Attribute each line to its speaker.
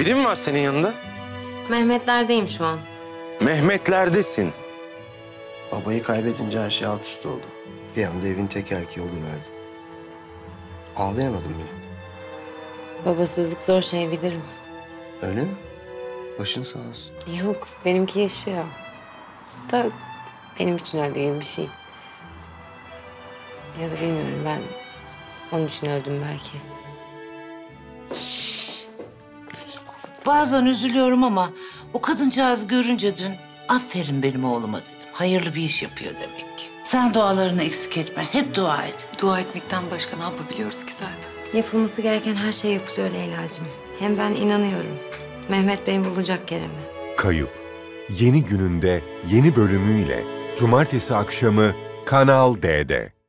Speaker 1: Biri mi var senin yanında?
Speaker 2: Mehmetlerdeyim şu an.
Speaker 1: Mehmetlerdesin.
Speaker 3: Babayı kaybedince her şey alt üst oldu. Bir anda evin tek erkeği oluverdim. Ağlayamadım bile.
Speaker 2: Babasızlık zor şey bilirim.
Speaker 3: Öyle mi? Başın sağ olsun.
Speaker 2: Yok, benimki yaşıyor. Da benim için öldüğü bir şey. Ya da bilmiyorum, ben onun için öldüm belki.
Speaker 4: Bazen üzülüyorum ama o kadıncağızı görünce dün aferin benim oğluma dedim. Hayırlı bir iş yapıyor demek ki. Sen dualarını eksik etme. Hep dua et.
Speaker 5: Dua etmekten başka ne yapabiliyoruz ki zaten?
Speaker 2: Yapılması gereken her şey yapılıyor Leyla'cığım. Hem ben inanıyorum. Mehmet Bey bulacak Kerem'i.
Speaker 6: Kayıp. Yeni gününde, yeni bölümüyle Cumartesi akşamı Kanal D'de.